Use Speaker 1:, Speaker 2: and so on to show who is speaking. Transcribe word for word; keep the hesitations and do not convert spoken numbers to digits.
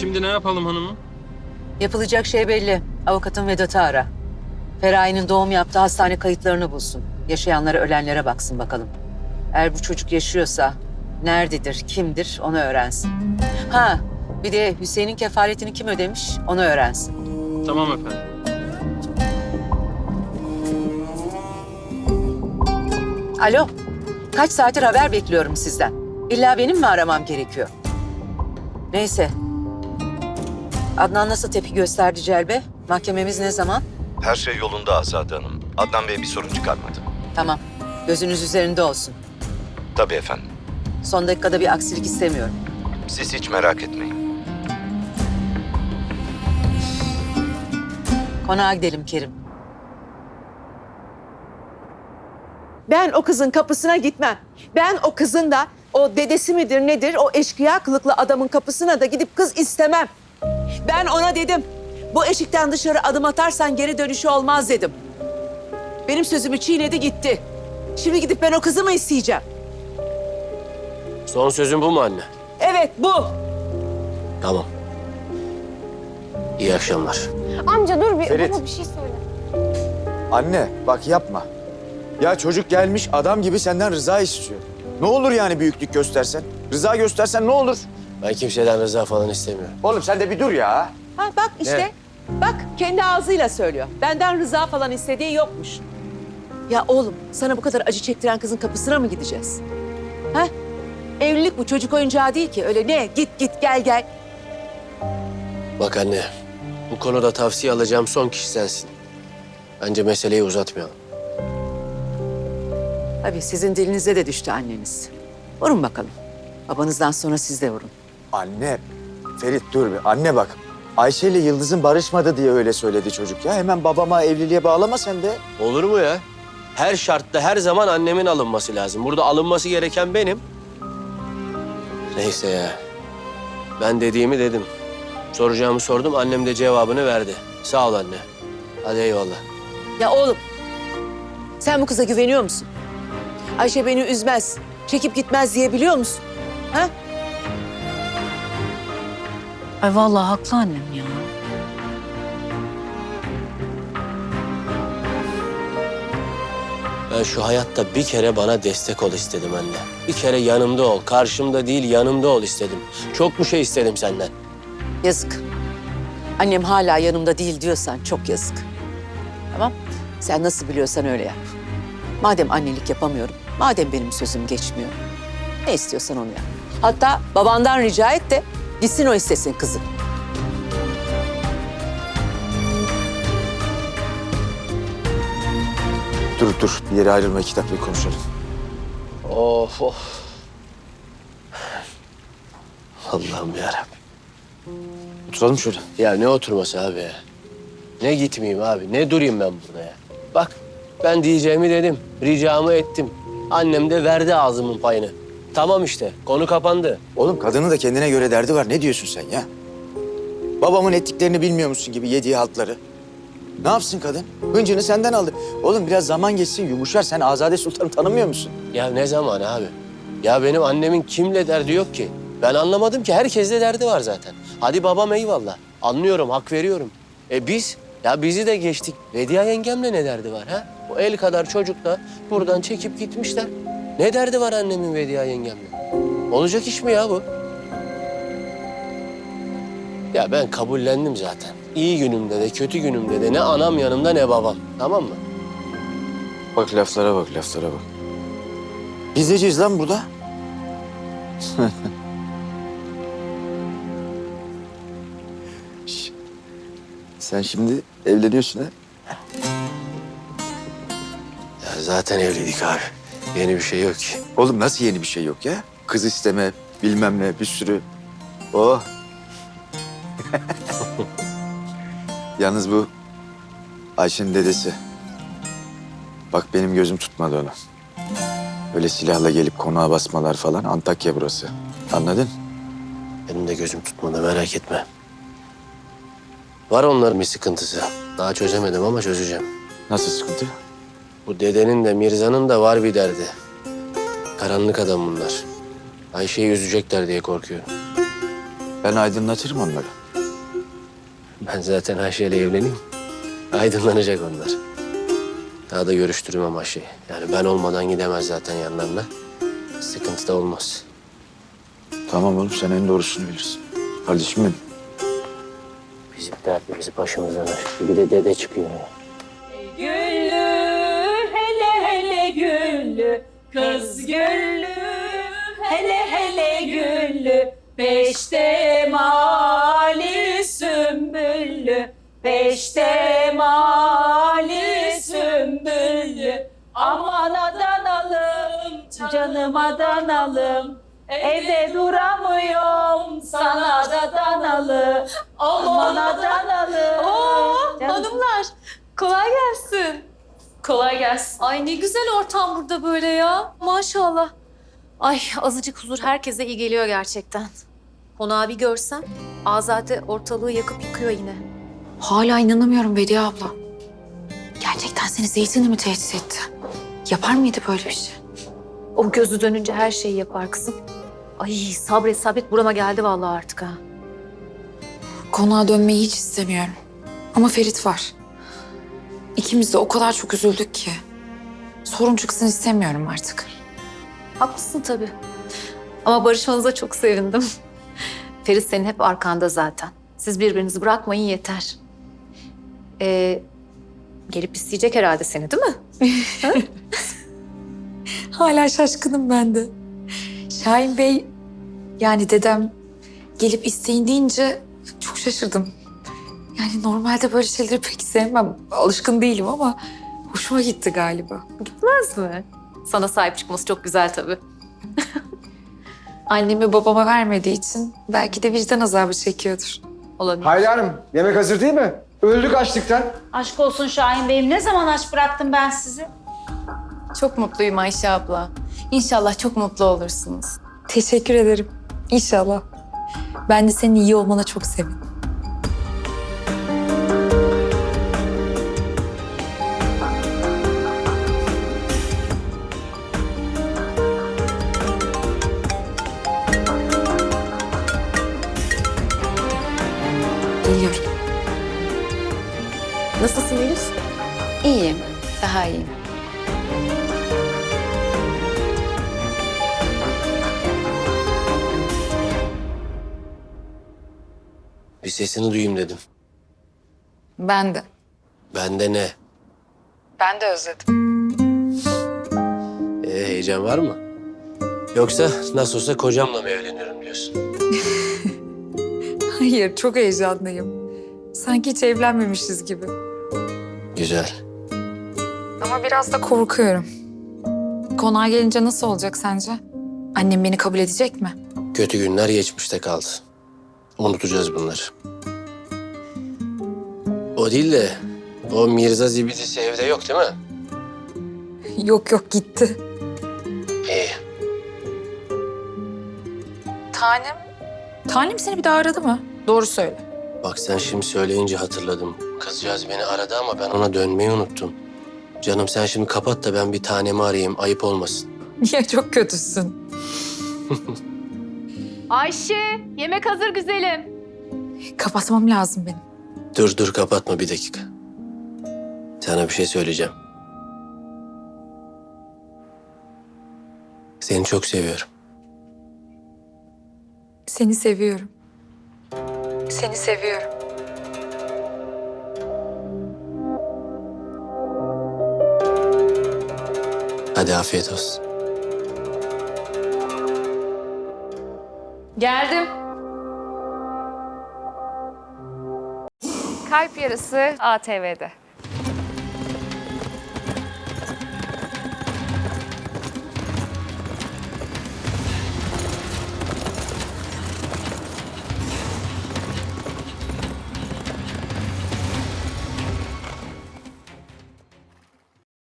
Speaker 1: şimdi ne yapalım hanımım?
Speaker 2: Yapılacak şey belli. Avukatın Vedat'ı ara. Feraye'nin doğum yaptığı hastane kayıtlarını bulsun. Yaşayanlara, ölenlere baksın bakalım. Eğer bu çocuk yaşıyorsa nerededir, kimdir onu öğrensin. Ha, bir de Hüseyin'in kefaletini kim ödemiş onu öğrensin.
Speaker 1: Tamam efendim.
Speaker 2: Alo, kaç saattir haber bekliyorum sizden. İlla benim mi aramam gerekiyor? Neyse. Adnan nasıl tepki gösterdi Celbe? Mahkememiz ne zaman?
Speaker 3: Her şey yolunda Azade Hanım. Adnan Bey bir sorun çıkarmadı.
Speaker 2: Tamam. Gözünüz üzerinde olsun.
Speaker 3: Tabii efendim.
Speaker 2: Son dakikada bir aksilik istemiyorum.
Speaker 3: Siz hiç merak etmeyin.
Speaker 2: Konağa gidelim Kerim.
Speaker 4: Ben o kızın kapısına gitmem. Ben o kızın da o dedesi midir nedir o eşkıya kılıklı adamın kapısına da gidip kız istemem. Ben ona dedim. Bu eşikten dışarı adım atarsan geri dönüşü olmaz dedim. Benim sözümü çiğnedi gitti. Şimdi gidip ben o kızı mı isteyeceğim?
Speaker 5: Son sözün bu mu anne?
Speaker 4: Evet bu.
Speaker 5: Tamam. İyi akşamlar.
Speaker 6: Amca dur bir,
Speaker 7: Ferit.
Speaker 6: baba bir şey söyle.
Speaker 7: Anne bak yapma. Ya çocuk gelmiş adam gibi senden rıza istiyor. Ne olur yani büyüklük göstersen? Rıza göstersen ne olur?
Speaker 5: Ben kimseden rıza falan istemiyorum.
Speaker 7: Oğlum sen de bir dur ya.
Speaker 4: Ha bak işte. Bak kendi ağzıyla söylüyor. Benden rıza falan istediği yokmuş. Ya oğlum sana bu kadar acı çektiren kızın kapısına mı gideceğiz? Ha? Evlilik bu çocuk oyuncağı değil ki. Öyle ne git git gel gel.
Speaker 5: Bak anne, bu konuda tavsiye alacağım son kişi sensin. Bence meseleyi uzatmayalım.
Speaker 2: Tabii sizin dilinize de düştü anneniz. Vurun bakalım. Babanızdan sonra siz de vurun.
Speaker 7: Anne, Ferit dur bir. Anne bak. Ayşe ile Yıldız'ın barışmadı diye öyle söyledi çocuk ya. Hemen babama evliliğe bağlama sen de.
Speaker 5: Olur mu ya? Her şartta her zaman annemin alınması lazım. Burada alınması gereken benim. Neyse ya. Ben dediğimi dedim. Soracağımı sordum, annem de cevabını verdi. Sağ ol anne. Hadi eyvallah.
Speaker 4: Ya oğlum sen bu kıza güveniyor musun? Ayşe beni üzmez, çekip gitmez diyebiliyor musun? Ha?
Speaker 8: Ay vallahi haklı annem ya.
Speaker 5: Ben şu hayatta bir kere bana destek ol istedim anne. Bir kere yanımda ol, karşımda değil yanımda ol istedim. Çok mu şey istedim senden?
Speaker 2: Yazık. Annem hala yanımda değil diyorsan çok yazık. Tamam. Sen nasıl biliyorsan öyle yap. Madem annelik yapamıyorum, madem benim sözüm geçmiyor. Ne istiyorsan onu yap. Hatta babandan rica et de gitsin o istesin kızı.
Speaker 7: Dur dur bir yere ayrılma iki dakika konuşalım.
Speaker 5: Of of. Allah'ım yarabbim.
Speaker 7: Oturalım şöyle.
Speaker 5: Ya ne oturması abi ya? Ne gitmeyeyim abi, ne durayım ben burada ya? Bak ben diyeceğimi dedim, ricamı ettim. Annem de verdi ağzımın payını. Tamam işte, konu kapandı.
Speaker 7: Oğlum kadının da kendine göre derdi var. Ne diyorsun sen ya? Babamın ettiklerini bilmiyor musun gibi yediği haltları? Ne yapsın kadın? Hıncını senden aldı. Oğlum biraz zaman geçsin yumuşar. Sen Azade Sultan'ı tanımıyor musun?
Speaker 5: Ya ne zaman abi? Ya benim annemin kimle derdi yok ki. Ben anlamadım ki, herkesle derdi var zaten. Hadi babam eyvallah, anlıyorum, hak veriyorum. E biz, ya bizi de geçtik. Vediye yengemle ne derdi var ha? O el kadar çocukla buradan çekip gitmişler. Ne derdi var annemin Vediye yengemle? Olacak iş mi ya bu? Ya ben kabullendim zaten. İyi günümde de kötü günümde de ne anam yanımda ne babam. Tamam mı?
Speaker 7: Bak laflara bak, laflara bak. Biz neciyiz lan burada? Şş, sen şimdi evleniyorsun ha?
Speaker 5: Ya zaten evliydik abi. Yeni bir şey yok ki.
Speaker 7: Oğlum nasıl yeni bir şey yok ya? Kız isteme, bilmem ne, bir sürü. Oh. Yalnız bu Ayşe'nin dedesi. Bak benim gözüm tutmadı onu. Öyle silahla gelip konağa basmalar falan. Antakya burası. Anladın?
Speaker 5: Benim de gözüm tutmadı, merak etme. Var onların bir sıkıntısı. Daha çözemedim ama çözeceğim.
Speaker 7: Nasıl sıkıntı?
Speaker 5: Bu dedenin de Mirza'nın da var bir derdi. Karanlık adam bunlar. Ayşe'yi üzecekler diye korkuyorum.
Speaker 7: Ben aydınlatırım onları.
Speaker 5: Ben zaten Ayşe'yle evleneyim. Aydınlanacak onlar. Daha da görüştürmem Ayşe'yi. Yani ben olmadan gidemez zaten yanlarına. Sıkıntı da olmaz.
Speaker 7: Tamam oğlum sen en doğrusunu bilirsin. Kardeşim benim.
Speaker 5: Bizim dertimizi başımızdan aşkı. Bir de dede çıkıyor ya.
Speaker 6: Güllü hele hele güllü kız güllü hele hele güllü peşte mali sümbüllü peşte mali sümbüllü aman adanalım canım adanalım evde duramıyorum sana da danalı aman adanalım.
Speaker 8: Oo, hanımlar. Kolay gelsin. Kolay gelsin. Ay ne güzel ortam burada böyle ya. Maşallah. Ay azıcık huzur herkese iyi geliyor gerçekten. Konağı bir görsen Azade ortalığı yakıp yıkıyor yine. Hala inanamıyorum Bediye abla. Gerçekten seni Zeytin'le mi tehdit etti? Yapar mıydı böyle bir şey? O gözü dönünce her şeyi yapar kızım. Ay sabret sabret burama geldi vallahi artık ha.
Speaker 9: Konağa dönmeyi hiç istemiyorum. Ama Ferit var. İkimiz de o kadar çok üzüldük ki. Sorun çıksın istemiyorum artık.
Speaker 8: Haklısın tabii. Ama barışmanıza çok sevindim. Ferit senin hep arkanda zaten. Siz birbirinizi bırakmayın yeter. Ee, gelip isteyecek herhalde seni değil mi?
Speaker 9: Hala şaşkınım ben de. Şahin Bey, yani dedem gelip isteyin deyince çok şaşırdım. Yani normalde böyle şeyleri pek sevmem. Alışkın değilim ama hoşuma gitti galiba.
Speaker 8: Gitmez mi? Sana sahip çıkması çok güzel tabii.
Speaker 9: Annemi babama vermediği için belki de vicdan azabı çekiyordur.
Speaker 8: Olabilir.
Speaker 10: Hayri Hanım, yemek hazır değil mi? Öldük açlıktan.
Speaker 6: Aşk olsun Şahin Bey'im. Ne zaman aç bıraktım ben sizi?
Speaker 9: Çok mutluyum Ayşe abla. İnşallah çok mutlu olursunuz. Teşekkür ederim. İnşallah. Ben de senin iyi olmana çok sevindim. Geliyorum.
Speaker 8: Nasılsın Elif?
Speaker 9: İyiyim. Daha iyiyim.
Speaker 5: Bir sesini duyayım dedim.
Speaker 9: Ben de.
Speaker 5: Bende ne?
Speaker 9: Ben de özledim.
Speaker 5: Ee, heyecan var mı? Yoksa nasıl olsa kocamla mı evleniyorum diyorsun?
Speaker 9: Hayır, çok heyecanlıyım. Sanki hiç evlenmemişiz gibi.
Speaker 5: Güzel.
Speaker 9: Ama biraz da korkuyorum. Konağa gelince nasıl olacak sence? Annem beni kabul edecek mi?
Speaker 5: Kötü günler geçmişte kaldı. Unutacağız bunları. O değil de o Mirza zibidisi evde yok değil mi?
Speaker 9: Yok yok gitti.
Speaker 5: İyi.
Speaker 9: Tanem? Tanem seni bir daha aradı mı? Doğru söyle.
Speaker 5: Bak sen şimdi söyleyince hatırladım. Kızcağız beni aradı ama ben ona dönmeyi unuttum. Canım sen şimdi kapat da ben bir tanemi arayayım. Ayıp olmasın.
Speaker 9: Niye çok kötüsün?
Speaker 8: Ayşe, yemek hazır güzelim.
Speaker 9: Kapatmam lazım benim.
Speaker 5: Dur dur kapatma bir dakika. Sana bir şey söyleyeceğim. Seni çok seviyorum.
Speaker 9: Seni seviyorum. Seni seviyorum.
Speaker 5: Hadi afiyet olsun.
Speaker 8: Geldim.
Speaker 11: Kalp Yarısı A T V'de.